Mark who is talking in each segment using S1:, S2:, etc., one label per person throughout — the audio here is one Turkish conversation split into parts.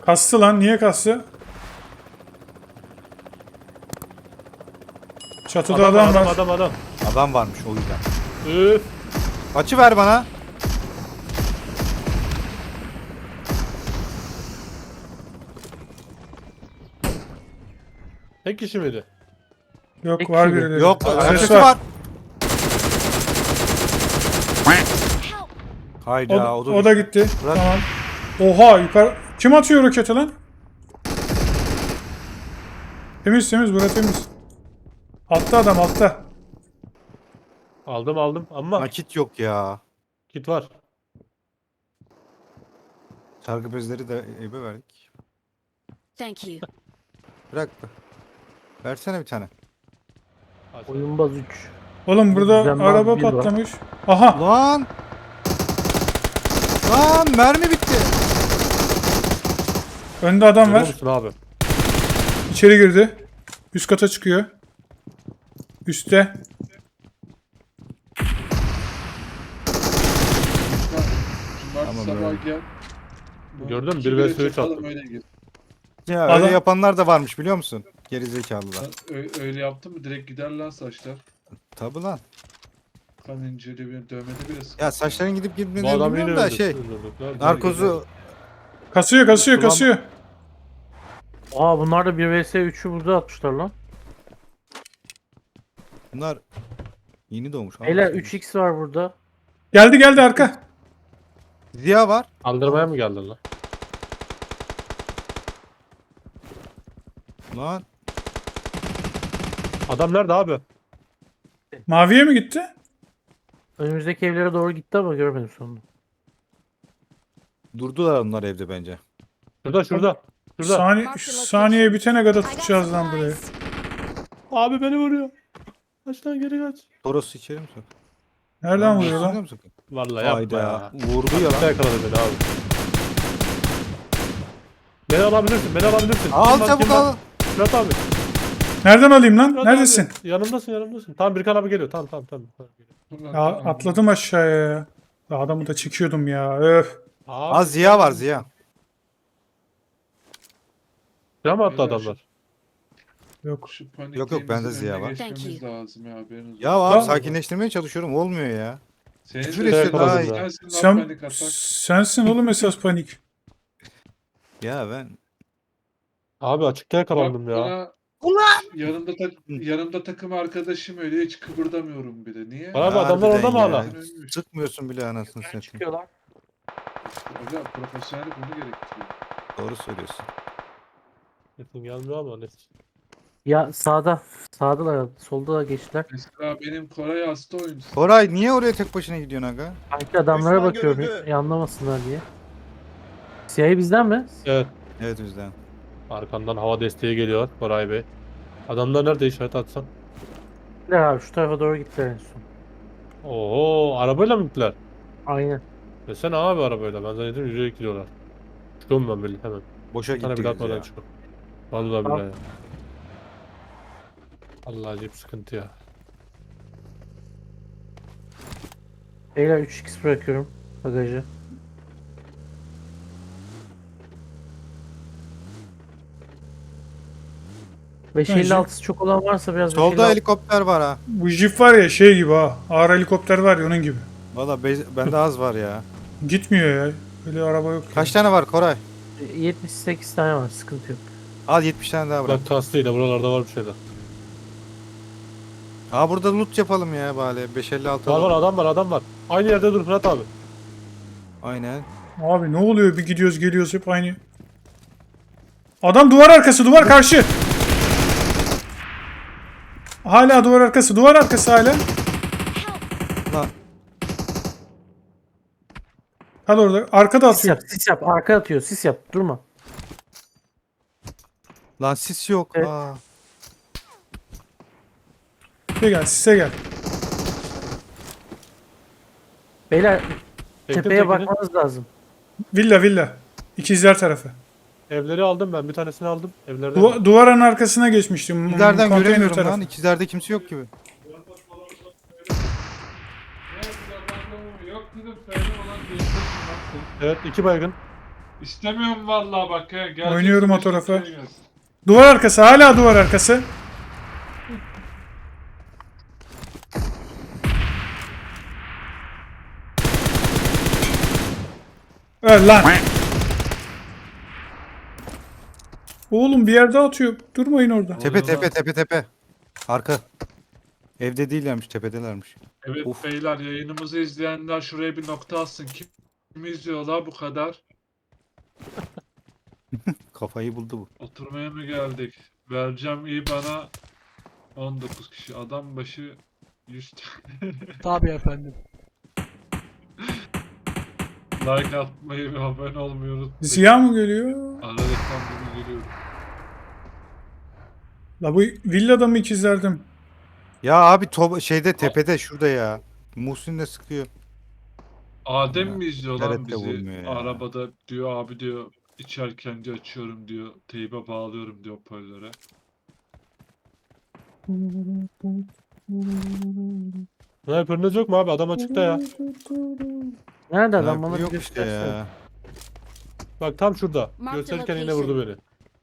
S1: Kastı lan. Niye kastı? Çatıda adam var.
S2: Adam.
S3: Adam varmış o yüzden.
S2: Üf.
S3: Açı ver bana.
S2: Tek kişi miydi?
S1: Yok
S4: Tek
S1: var
S4: kişi mi?
S1: birileri.
S3: Yok
S1: Ses
S3: açısı
S1: var.
S3: var. Hayda
S1: O da gitti.
S3: Bırak.
S1: Tamam. Oha yukarı. Kim atıyor roketi lan? Temiz bura temiz. Altta adam altta.
S2: Aldım ama
S3: Nakit yok ya.
S2: kit var.
S3: Sargı bezleri de ebe verdik.
S5: Thank you.
S3: Bırak. Versene bir tane.
S4: Oyunbaz 3.
S1: Oğlum burada
S4: Düzenli
S1: araba
S4: bir var.
S1: patlamış. Aha.
S3: Lan! Lan mermi bitti.
S1: Önde adam
S2: Görüyor
S1: var.
S2: musun abi?
S1: İçeri girdi. Üst kata çıkıyor. Üste.
S3: Tamam,
S6: Cumartesi sabah
S3: öyle.
S6: gel.
S2: Gördün mü?
S6: İki
S2: Bir
S6: bire
S2: vs üç
S6: çakalım,
S2: attım.
S6: öyle gir.
S3: Ya
S1: Adam-
S3: öyle yapanlar da varmış biliyor musun? Gerizekalılar.
S6: Öyle yaptın mı direkt gider lan saçlar.
S3: Tabi lan.
S6: Kan inceli bir dövmede bile sıkıntı.
S3: Ya saçların gidip
S2: Bu
S3: gitmediğini
S2: adam yine
S3: bilmiyorum da
S2: öldü.
S3: şey.
S2: Öldürdük.
S3: Narkozu
S1: Kasıyor.
S4: Aa bunlar da 1 vs 3'ü burada atmışlar lan.
S3: bunlar yeni doğmuş.
S4: Beyler
S3: Aa,
S4: 3x var burada.
S1: Geldi arka.
S3: Ziya var.
S2: Kaldırmaya mı geldin lan?
S3: Lan
S2: Adam nerede abi?
S1: Maviye mi gitti?
S4: Önümüzdeki evlere doğru gitti ama görmedim sonunda.
S3: durdular onlar evde bence.
S2: Şurada.
S1: Saniye bitene kadar tutacağız lan burayı.
S2: Abi beni vuruyor. Kaç lan geri kaç.
S3: Toros içeri mi sok?
S1: Nereden vuruyor
S3: Biliyor
S1: lan?
S3: musun?
S2: Vallahi yapma
S3: Hayda.
S2: ya.
S3: Vurdu ya
S2: Açıkta
S3: lan.
S2: yakaladı beni abi. Beni alabilirsin.
S3: Al
S2: Kim var,
S3: çabuk
S2: kim var?
S3: al.
S2: Fırat abi.
S1: Nereden alayım lan?
S2: Fırat
S1: Neredesin?
S2: Abi. Yanımdasın. Tamam Birkan abi geliyor. Tamam.
S1: Ya atladım aşağıya ya. Ya adamı da çekiyordum ya. Öf.
S2: Abi.
S3: Az Ziya var Ziya.
S2: Silah mı attı
S6: Beyler,
S2: adamlar?
S1: Yok.
S6: Şu panik
S3: Yok, bende
S6: önüne
S3: Ziya var.
S6: geçmemiz
S5: Thank
S6: lazım ya haberiniz
S3: Ya
S6: olsun.
S3: abi sakinleştirmeye çalışıyorum olmuyor ya.
S6: Senin
S3: küfür
S6: de
S3: etsin
S2: daha iyi.
S6: sensin lan
S1: Sen,
S6: panik atak.
S1: sensin oğlum esas panik.
S3: Ya ben
S2: Abi açıkta yakalandım
S6: Bak
S2: ya.
S6: bana yanımda takım arkadaşım öyle hiç kıpırdamıyorum bile. Niye?
S2: Abi adamlar orada mı
S3: Harbiden
S2: hala?
S3: ya. Sıkmıyorsun bile anasını satayım.
S4: Çıkıyorlar.
S6: Hocam profesyonellik bunu gerektiriyor.
S3: Doğru söylüyorsun.
S2: Sesin gelmiyor ama neyse.
S4: Ya sağda. Sağdalar. Solda da geçtiler.
S6: Mesela benim Koray hasta oyuncusu.
S3: Koray niye oraya tek başına gidiyorsun aga?
S4: Sanki adamlara
S7: Düşman
S4: bakıyorum.
S7: görüldü.
S4: Anlamasınlar diye. Siyahı bizden mi?
S2: Evet.
S3: Evet o yüzden.
S2: Arkandan hava desteği geliyor Koray Bey. Adamlar nerede işaret atsan?
S4: Gittiler abi şu tarafa doğru gittiler en son.
S2: Oo arabayla mı gittiler?
S4: Aynen.
S2: Desene abi arabayla. Ben zannettim yürüyerek gidiyorlar. Çıkıyorum ben böyle hemen.
S3: Boşa
S2: Bir tane bir
S3: gittiniz
S2: atmadan
S3: ya.
S2: çıkıyorum. Vallahi
S4: Tamam.
S2: billahi. Allah acayip sıkıntı ya.
S4: Beyler 3x bırakıyorum bagajı.
S1: Bence-
S4: 556'sı çok olan varsa biraz
S3: Solda
S4: 556
S3: helikopter var ha.
S1: Bu jip var ya şey gibi ha. Ağır helikopter var ya onun gibi.
S3: Valla bende az var ya.
S1: Gitmiyor ya. Böyle araba yok.
S3: Kaç tane var Koray?
S4: 78 tane var sıkıntı yok.
S3: Al 70 tane daha bırak.
S2: Bak kastıyla buralarda var bir şeyler.
S3: Aa burada loot yapalım ya bari. 556
S2: Var
S3: alalım.
S2: adam var. Aynı yerde dur Fırat abi.
S3: Aynen.
S1: Abi ne oluyor bir gidiyoruz geliyoruz hep aynı. Adam duvar arkası duvar karşı. Hala duvar arkası hala.
S3: Lan
S1: Kal orada. Arkada
S4: Sis
S1: atıyor.
S4: yap, sis yap. Arka atıyor, sis yap. Durma.
S3: lan sis yok.
S4: Evet.
S3: Aa.
S1: Size gel.
S4: Beyler
S2: Çektim
S4: tepeye
S2: tekini.
S4: bakmanız lazım.
S1: Villa. İkizler tarafı.
S2: Evleri aldım ben. Bir tanesini aldım. Evlerden.
S1: Duvarın arkasına geçmiştim.
S3: İkizlerden
S1: Konteyner
S3: göremiyorum
S1: tarafı.
S3: lan. İkizlerde kimse yok gibi.
S6: Yok dedim söyle olan değiştirsin.
S2: Evet 2 baygın.
S6: İstemiyorum vallahi bak ya. Geleceksin,
S1: Oynuyorum o
S6: beş
S1: tarafa.
S6: dakikaya gelsin.
S1: Duvar arkası, hala duvar arkası. Öl lan. Oğlum bir yerde atıyor. Durmayın orada.
S3: Tepe
S6: Orada.
S3: tepe tepe tepe. Arka. Evde değillermiş, tepedelermiş.
S6: Evet
S3: Of.
S6: beyler, yayınımızı izleyenler şuraya bir nokta atsın. Kim izliyorlar bu kadar?
S3: Kafayı buldu bu.
S6: Oturmaya mı geldik? Vereceğim iyi bana 19 kişi. Adam başı 100 tane.
S4: Tabii efendim.
S6: Like atmayı ve abone olmayı unutmayın.
S1: Ziya mı geliyor?
S6: Ara reklam gibi geliyor.
S1: La bu villada mı ikizlerdim?
S3: Ya abi şeyde tepede şurada ya. Muhsin de sıkıyor.
S6: Adem
S3: Ya,
S6: mi izliyor lan
S3: TRT
S6: bizi?
S3: vurmuyor ya.
S6: Arabada diyor abi diyor içerken diyor açıyorum diyor. Teybe bağlıyorum diyor hoparlöre.
S2: Sniper'ınız yok mu abi? Adam açıkta ya.
S4: Nerede adam
S3: Sniper
S4: bana bir
S3: yok işte
S4: göstersene.
S3: ya.
S2: Bak tam şurada.
S5: Mark the
S2: Gösterirken yine
S5: location.
S2: vurdu beni.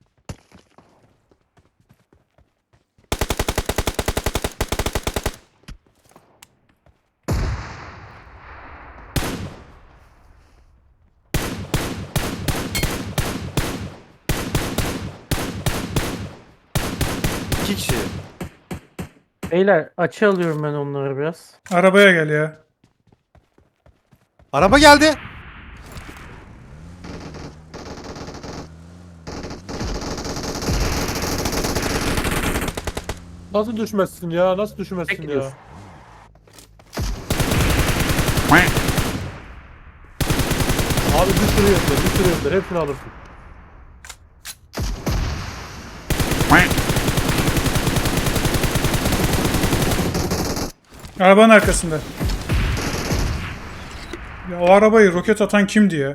S3: İki kişi.
S4: Beyler açı alıyorum ben onları biraz.
S1: Arabaya gel ya.
S3: Araba geldi.
S2: Nasıl düşmezsin ya? Nasıl
S4: Tek
S2: düşmezsin ya?
S4: gidiyorsun.
S2: Abi bir sürü yönler, bir sürü yönler. Hepsini alırsın.
S1: Arabanın arkasında. Ya o arabayı roket atan kimdi ya?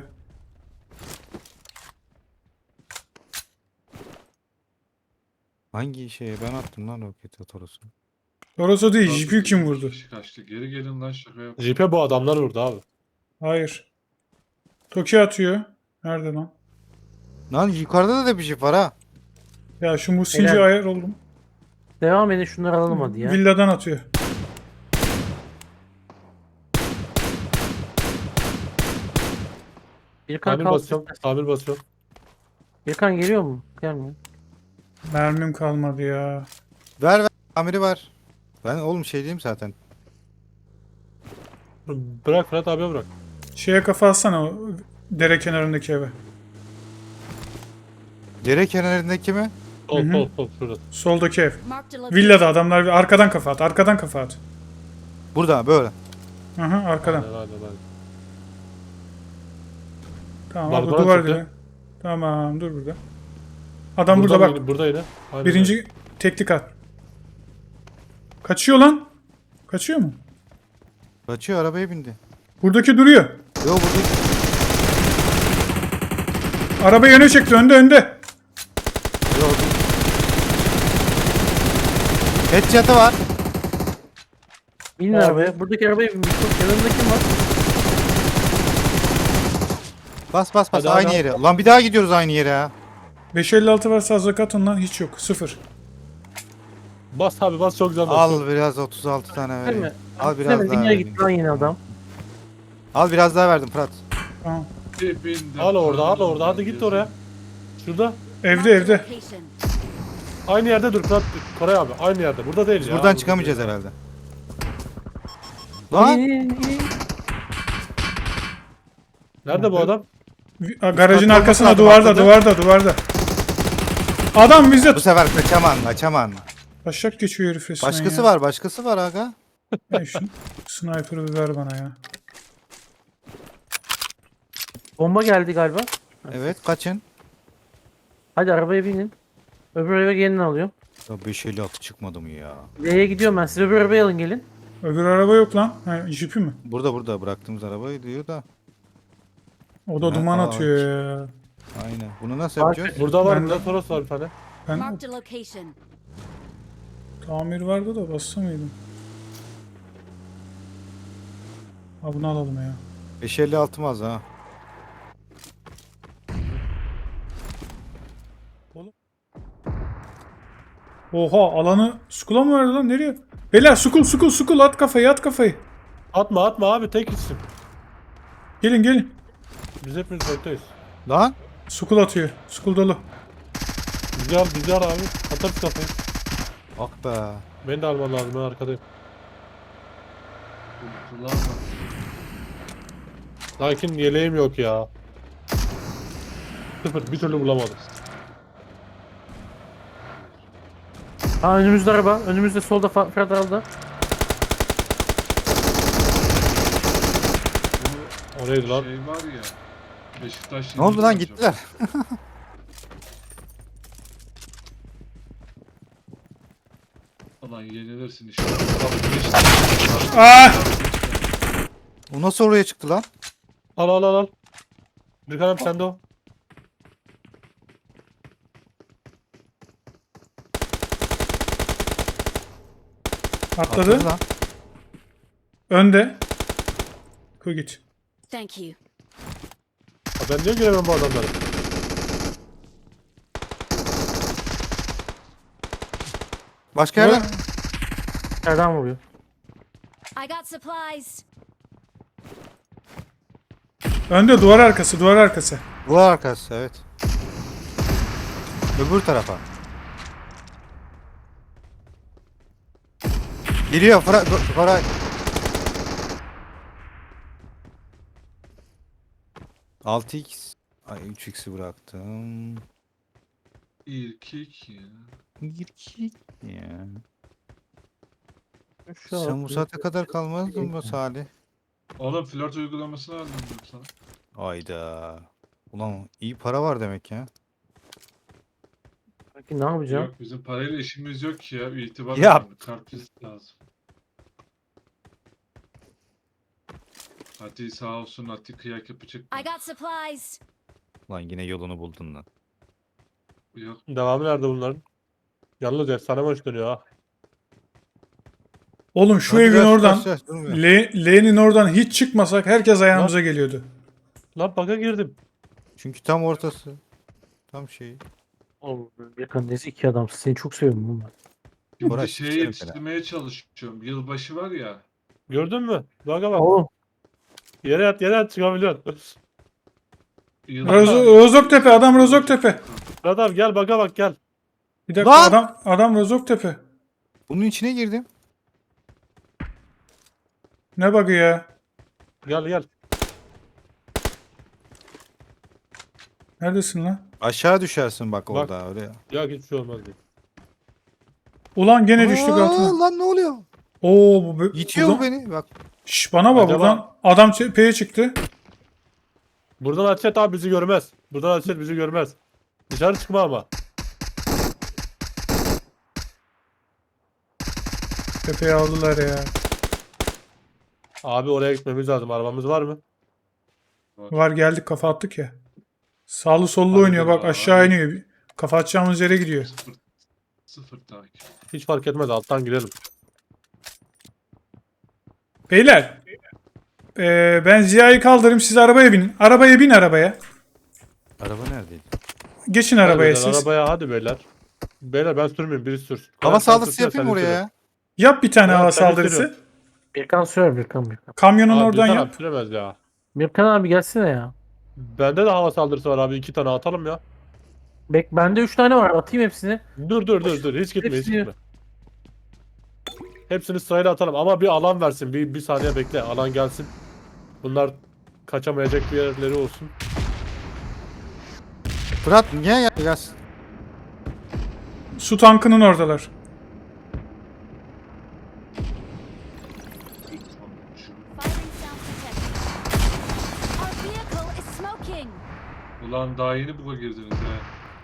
S3: Hangi şeye ben attım lan roket atorosunu.
S1: Orası değil, jipi kim vurdu?
S6: Kişi kaçtı. Geri gelin lan şaka yap.
S2: Jeep'e bu adamlar vurdu abi.
S1: Hayır. Toki atıyor. Nerede lan?
S3: Lan yukarıda da bir jip var ha.
S1: Ya şu Musinci
S4: Helal.
S1: ayar oldum.
S4: Devam edin şunları alalım hadi ya.
S1: Villadan atıyor.
S4: Birkan
S2: Tamir
S4: kalk.
S2: basıyorum. Tamir basıyorum.
S4: Birkan geliyor mu? Gelmiyor.
S1: Mermim kalmadı ya.
S3: Ver ver. Amiri var. Ben oğlum şey diyeyim zaten.
S2: Bırak Fırat abiye bırak.
S1: Şeye kafa atsana o dere kenarındaki eve.
S3: Dere kenarındaki mi?
S2: Sol sol sol şurada.
S1: Soldaki ev.
S5: Marked a location.
S1: Villada adamlar arkadan kafa at. Arkadan kafa at.
S3: Burada böyle.
S1: Aha arkadan.
S2: Aynen, aynen, aynen.
S1: Tamam
S2: Bak,
S1: abi
S2: bana
S1: duvar
S2: çıktı.
S1: dibe. Tamam dur burada. Adam burada bak.
S2: Yine, burada yine. Aynen
S1: Birinci teknik at. Kaçıyor lan. Kaçıyor mu?
S3: Kaçıyor arabaya bindi.
S1: Buradaki duruyor.
S3: Yo burada.
S1: Arabayı öne çekti. Önde.
S3: Yo, Headshot'ı var.
S4: Binin
S2: Abi.
S4: arabaya. Buradaki arabaya bin. Yanında kim var?
S3: Bas bas bas
S2: Hadi,
S3: aynı
S2: hadi.
S3: yere. Lan bir daha gidiyoruz aynı yere ha.
S1: 556 varsa azak atın lan. Hiç yok. 0.
S2: Bas abi bas çok güzel bas.
S3: Al biraz 36 tane
S4: Değil
S3: vereyim.
S4: mi?
S3: Al biraz
S4: Hemen
S3: daha
S4: dünya
S3: vereyim.
S4: gitti lan yine adam.
S3: Al biraz daha verdim Fırat.
S1: Tamam.
S6: Dibinde
S2: Al orada al
S6: kalın
S2: orada hadi git
S6: gezin.
S2: oraya. Şurada.
S1: Evde
S5: Marked a
S1: evde.
S5: location.
S2: Aynı yerde dur Fırat. Koray abi aynı yerde. Burada değil
S3: Biz
S2: ya.
S3: buradan
S2: Burada
S3: çıkamayacağız
S2: değil.
S3: herhalde. Lan
S2: Nerede bu adam?
S1: Garajın
S3: Bak,
S1: arkasına
S3: bak,
S1: duvarda
S3: atladı.
S1: duvarda. Adam bize
S3: bu sefer kaçaman.
S1: taşak geçiyor herif resmen
S3: Başkası var aga.
S1: Ya şu sniper'ı bir ver bana ya.
S4: Bomba geldi galiba.
S3: Evet kaçın.
S4: Hadi arabaya binin. Öbür eve gelin alıyorum.
S3: Ya 556 çıkmadı mı ya?
S4: L'ye gidiyorum ben. Siz öbür arabaya alın gelin.
S1: Öbür araba yok lan. Ha, jipi mi?
S3: Burada bıraktığımız arabayı diyor da.
S1: O da
S3: Ha,
S1: duman
S3: ağaç.
S1: atıyor ya.
S3: Aynen. Bunu nasıl
S4: Bak,
S3: yapacağız?
S2: Burada var.
S1: Ben-
S2: Burada Toros var bir tane.
S1: Ben
S5: Marked a location.
S1: tamir vardı da bassa mıydım? Ha bunu alalım ya.
S3: 556 mı az ha?
S1: Oha alanı Skull'a mı verdi lan? Nereye? Beyler Skull at kafayı at kafayı.
S2: Atma abi tek gitsin.
S1: Gelin.
S2: Biz hepimiz bekleyiz.
S3: Lan.
S1: Skull atıyor. Skull dolu.
S2: Bizi al abi. Atarız kafayı.
S3: Ah be.
S2: Beni de alman lazım, ben arkadayım.
S6: Kullanma.
S2: Lakin yeleğim yok ya. Sıfır, bir türlü bulamadım.
S4: Ha önümüzde araba. Önümüzde solda Federal'da.
S2: O neydi lan?
S6: Şey var ya. Beşiktaş
S3: Ne oldu lan,
S6: yenildi
S3: gittiler.
S6: Ulan yenilirsin işte. Beşiktaş.
S1: Ah!
S3: O nasıl oraya çıktı lan?
S2: Al. Bir kanem sende o.
S1: Atladı.
S3: Lan.
S1: Önde. Koy git.
S5: Thank you.
S2: Ha, ben niye göremem bu adamları?
S3: Başka yerden.
S4: Nereden vuruyor?
S5: I got supplies.
S1: Önde duvar arkası.
S3: Duvar arkası, evet. Öbür tarafa. Geliyor Koray. Altı x. Ay 3x'i bıraktım.
S6: İrkik ya.
S3: Girkik ya.
S4: Şu
S3: Sen
S4: an-
S3: bu saate kadar kalmazdın mı Salih?
S6: Oğlum flört uygulamasını aldım diyorum sana.
S3: Ayda. Ulan iyi para var demek ya.
S4: Peki ne yapacağım?
S6: Yok bizim parayla işimiz yok ki ya. İtibar
S3: Yap.
S6: önemli. Kart lazım. Hadi sağ olsun Ati kıyak yapacak.
S5: I got supplies.
S3: Lan yine yolunu buldun lan.
S6: Yok.
S2: Devamı nerede bunların? Yalnız efsane maç dönüyor ha.
S1: Oğlum şu
S3: Hadi
S1: evin
S3: biraz
S1: oradan
S3: taş, durmuyor.
S1: L'nin oradan hiç çıkmasak herkes ayağımıza geliyordu.
S2: Lan baka girdim.
S3: Çünkü tam ortası. Tam şey.
S4: Oğlum yakındayız iki adamsın. Seni çok seviyorum bunlar.
S6: Şimdi
S3: Koray,
S6: şeye
S3: sikerim
S6: yetiştirmeye çalışıyorum. Yılbaşı var ya.
S2: Gördün mü? Baka bak.
S4: Oğlum
S2: Yere yat çıkabiliyorsun.
S1: Rozoktepe adam Rozoktepe.
S2: Adam gel baka bak gel.
S1: Bir dakika
S3: Lan!
S1: adam Rozoktepe.
S3: Bunun içine girdim.
S1: Ne bug'ı ya?
S2: Gel.
S1: Neredesin lan?
S3: Aşağı düşersin bak
S2: Bak.
S3: orada öyle.
S2: Ya hiçbir şey olmaz diye.
S1: Ulan gene düştük altına.
S3: Lan ne oluyor?
S1: Oo bu
S3: İtiyor
S1: buradan-
S3: beni bak.
S1: Şş, bana bak
S2: Acaba-
S1: buradan adam tepeye çıktı.
S2: Buradan Açet abi bizi görmez. Buradan Açet bizi görmez. Dışarı çıkma ama.
S1: Tepeye aldılar ya.
S2: Abi oraya gitmemiz lazım. Arabamız var mı?
S1: Var geldik kafa attık ya. Sağlı sollu
S2: Hadi
S1: oynuyor bak
S6: ya,
S1: aşağı
S6: hadi.
S1: iniyor. Kafa atacağımız yere gidiyor.
S6: Sıfır takip.
S2: Hiç fark etmez. Alttan girelim.
S1: Beyler. Ben Ziya'yı kaldırayım siz arabaya binin. Arabaya bin arabaya.
S3: Araba neredeydi?
S1: Geçin
S2: Hadi
S1: arabaya
S2: beyler,
S1: siz.
S2: Arabaya hadi beyler. Beyler ben sürmeyeyim. Birisi sürsün.
S3: Hava
S2: Sen
S3: saldırısı
S2: sürsene,
S3: yapayım
S2: sen
S3: oraya
S2: sür.
S3: ya.
S1: Yap bir tane
S2: Ya,
S1: hava
S2: ben
S1: saldırısı.
S2: sürüyorum.
S4: Birkan sür Birkan.
S1: Kamyonun
S2: Abi
S1: oradan
S2: bir
S1: yap.
S2: taraf süremez ya.
S4: Birkan abi gelsene ya.
S2: Bende de hava saldırısı var abi. 2 tane atalım ya.
S4: Bende 3 tane var. Atayım hepsini.
S2: Dur. Hiç gitme hiç
S4: Hepsini-
S2: gitme. Hepsini sırayla atalım ama bir alan versin. Bir saniye bekle. Alan gelsin. Bunlar kaçamayacak bir yerleri olsun.
S3: Fırat niye ya? Biraz.
S1: Su tankının oradalar.
S5: Firing sound detected. Our vehicle is smoking.
S6: Ulan daha yeni buga girdiniz he.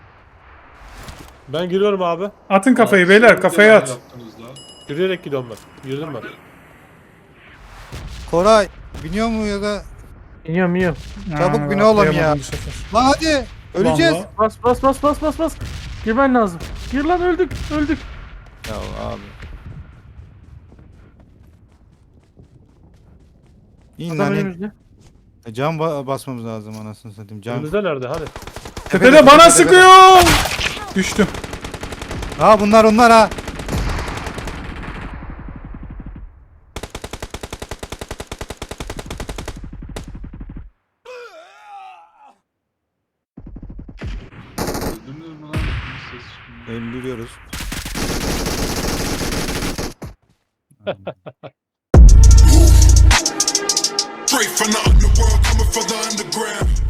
S2: Ben giriyorum abi.
S1: Atın kafayı
S6: Abi,
S1: beyler
S6: şimdi
S1: kafaya
S6: neler
S1: at.
S6: yaptınız da?
S2: Yürüyerek gidiyorum ben. Yürüdüm ben.
S3: Koray biniyor mu ya da?
S4: İniyorum.
S3: Çabuk bin oğlum ya.
S1: atlayamadım bu sefer.
S3: Lan hadi. Öleceğiz.
S1: Vallahi.
S4: Bas. Girmen lazım. Gir lan öldük.
S3: Ya abi. İn
S4: Adam
S3: lan in.
S4: önümüzde.
S3: Can basmamız lazım anasını satayım. Can.
S2: Önümüzde nerede? Hadi.
S1: Tepede bana sıkıyor. Düştüm.
S3: Ha bunlar onlar ha.
S6: Öldünüz mü lan? Bir ses çıkmıyor.
S3: Öldürüyoruz.
S7: Straight from the underworld, coming from the underground.